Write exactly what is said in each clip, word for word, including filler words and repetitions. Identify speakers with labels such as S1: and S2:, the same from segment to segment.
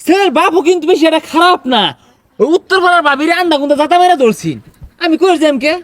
S1: ছেলের বাপও কিন্তু বেশি এটা খারাপ না। ওই উত্তর পাড়ার বাবিরে আন্ডা কুন্দা জাতা মেরা ধরছি। আমি কই যাম কে?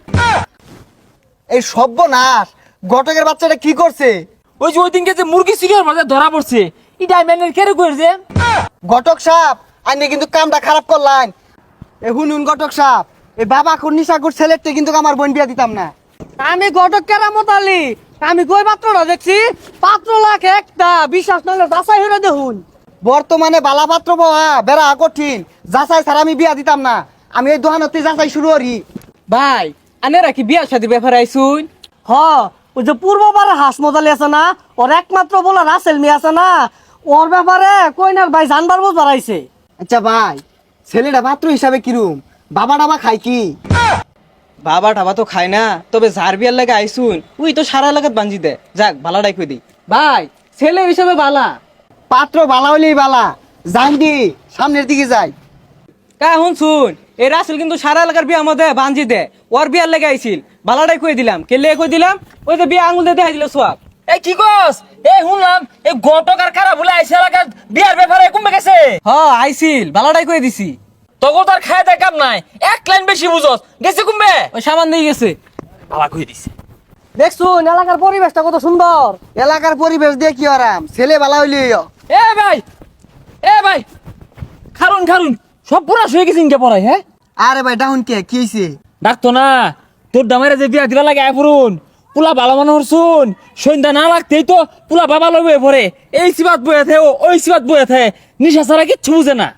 S2: এই সর্বনাশ, ঘটকের বাচ্চাটা কি করছে?
S1: ওই যে ওই দিনকে যে মুরগি সিরিয়ার মাঝে ধরা পড়ছে, এটা আমি এনে কেড়ে কই যে?
S2: ঘটক সাপ, আইনে কিন্তু কামটা খারাপ করলেন। এ হুনুন ঘটক সাপ, এই বাবা খুন নিশাকুর ছেলেরটা কিন্তু আমার বোন বিয়া দিতাম না।
S3: আমি ঘটক কেরামত আলী, আমি কই পাত্রটা দেখছি, পাত্র লাখ একটা, বিশ্বাস নলে যাচাই হইরা দেখুন।
S2: বর্তমানে বালা পাত্র পাওয়া বেড়া কঠিন, যাচাই ছাড়া আমি বিয়া দিতাম না। আমি এই দোকানতে যাচাই শুরু করি।
S3: ভাই আনেরা কি বিয়া শাদী ব্যাপারে আইছুন? হ, ওই যে পূর্ববারে হাস মজালি আছে না, ওর একমাত্র বলা রাসেল মি আছে না, ওর ব্যাপারে কইনার ভাই জানবার বুঝবার আইছে।
S2: আচ্ছা ভাই, ছেলেটা পাত্র হিসাবে কিরম? বাবা টাবা খাই কি?
S4: বাবা টাবা তো খায় না, তবে যার বিয়ার লাগে আইসুন উই তো সারা এলাকাত বাঞ্জি দে। যাক ভালাটাই কই দি।
S3: ভাই ছেলে হিসেবে বালা।
S2: পাত্র বালা হইলেই বালা, যাই দি সামনের দিকে যাই।
S4: কা হুন শুন, এই রাসেল কিন্তু সারা এলাকার বিয়া মধ্যে বাঞ্জি দে। ওর বিয়ার লাগে আইছিল, ভালাটাই কই দিলাম। কেলে কই দিলাম? ওই যে বিয়া আঙুল দিয়ে দেখাই দিল সোয়াব।
S1: এই কি কস? এই শুনলাম এই ঘটক আর খারাপ বলে আইসা এলাকার বিয়ার ব্যাপারে কমবে গেছে।
S4: হ আইছিল, ভালাটাই কই দিছি।
S1: তখন তার খায় দেয় কাম নাই, এক লাইন বেশি বুঝস, গেছে কমবে।
S4: ওই সামান দিয়ে গেছে।
S1: বাবা কই দিছে।
S3: দেখছুন এলাকার পরিবেশটা কত সুন্দর।
S2: এলাকার পরিবেশ দিয়ে কি আরাম, ছেলে বালা হইলেই হয়।
S1: এ ভাই, এ ভাই, খারুন খারুন, সব পুরা শুয়ে গেছিন কে পড়াই? হ্যাঁ
S2: আরে ভাই ডাউন কে কি হইছে?
S1: ডাকতো না, তোর দামের যে বিয়া দিবা লাগে আয় পড়ুন। পুলা ভালো মনে হরছুন, সন্ধ্যা না লাগতেই তো পুলা বাবা লবে পড়ে। এই সিবাত বয়ে থে, ওই সিবাত বয়ে থে, নিশা ছাড়া কিচ্ছু বুঝে না।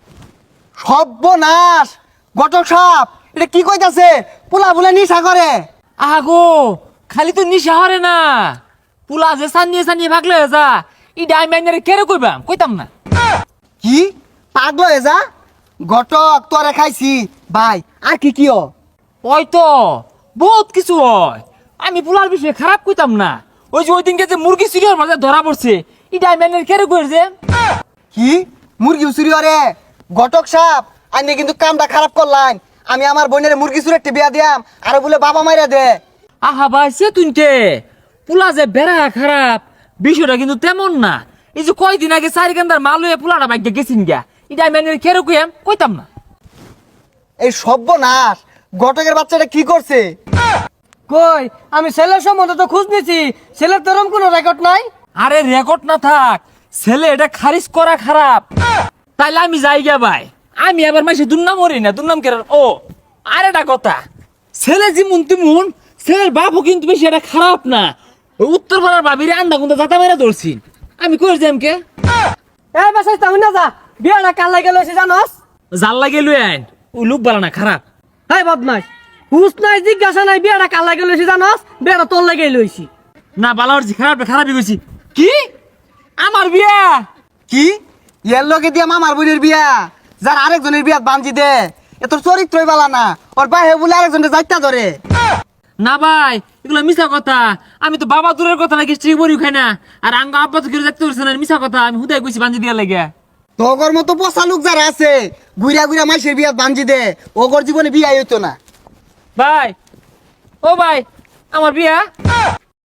S2: সর্বনাশ, ঘটক সাপ এটা কি কইতাছে? পোলা বলে নিশা করে?
S1: আগো খালি তো নিশা হরে না, পুলা যে সানিয়ে সানিয়ে ভাগলে যা, ই ডাইমাইনারে কেড়ে কইবাম, কইতাম না।
S2: কি পাগল হয়ে যা? ঘটক তোরে খাইছি ভাই, আর কি কি হ?
S1: ওই তো বহুত কিছু হয়, আমি পুলার বিষয়ে খারাপ কইতাম না। ওই যে ওই দিনকে যে মুরগি সিরিয়ার মাঝে ধরা পড়ছে, ই ডাইমাইনারে কেড়ে কই যে?
S2: কি মুরগি উচুরি হরে? ঘটক সাপ, আইনে কিন্তু কামটা খারাপ করলেন। আমি আমার বোনের মুরগি চুরে একটা বিয়া দিয়াম, আর বলে বাবা মাইরা দে।
S1: আহা ভাই সে তুনকে পুলা যে বেড়া খারাপ, বিষয়টা কিন্তু তেমন না। এই যে কয়দিন আগে চারি কান্দার মাল হয়ে পুলাটা বাইকে গেছিন গা, এটা আমি কেড়ে কইয়াম, কইতাম না।
S2: এই সর্বনাশ, ঘটকের বাচ্চাটা কি করছে?
S3: কই আমি ছেলের সম্বন্ধে তো খোঁজ নিছি, ছেলের তোরম কোনো রেকর্ড নাই।
S1: আরে রেকর্ড না থাক, ছেলে এটা খারিজ করা খারাপ। তাইলে আমি যাই গা ভাই, আমি আবার মাসে দুর্নাম মরি না, দুর্নাম কেন? ও আর একটা কথা, ছেলে যেমন তেমন ছেলের বাপও কিন্তু বেশি এটা খারাপ না। ওই উত্তর পাড়ার বাবিরে আন্ডা কুন্দা জাতা মেরা ধরছি। আমি কই যাম কে?
S3: এই বেসাই তুমি না যা, বিয়াটা কাল লাগে লইছে জানোস?
S1: জাল লাগে লই আইন, ওই লোক বালা না খারাপ।
S3: হাই বদমাইশ, হুস নাই জিজ্ঞাসা নাই, বিয়াটা কাল লাগে লইছে জানোস? বিয়াটা তোর লাগে লইছি।
S1: না বালা হচ্ছে খারাপ, খারাপই কইছি। কি আমার বিয়া?
S2: কি এর লগে দিয়া মামার বোনের বিয়া, যার আরেকজনের বিয়া বাঞ্জি দে? এ তোর চরিত্রই বালা না, ওর বাহে বলে আরেকজনের যাইতা ধরে।
S1: না ভাই এগুলো মিছা কথা। আমি তো বাবা দূরের কথা নাকি স্ত্রী বড়ি খাই না, আর আঙ্গ আব্বা তো কেউ দেখতে পারছে না, মিছা কথা। আমি হুদাই কইছি বাঞ্জি দিয়া লাগে।
S2: তোগর মতো পচা লোক যারা আছে, ঘুরা ঘুরা মাইসের বিয়া বাঞ্জি দে, ওগর জীবনে বিয়াই হইতো না।
S1: ভাই, ও ভাই, আমার বিয়া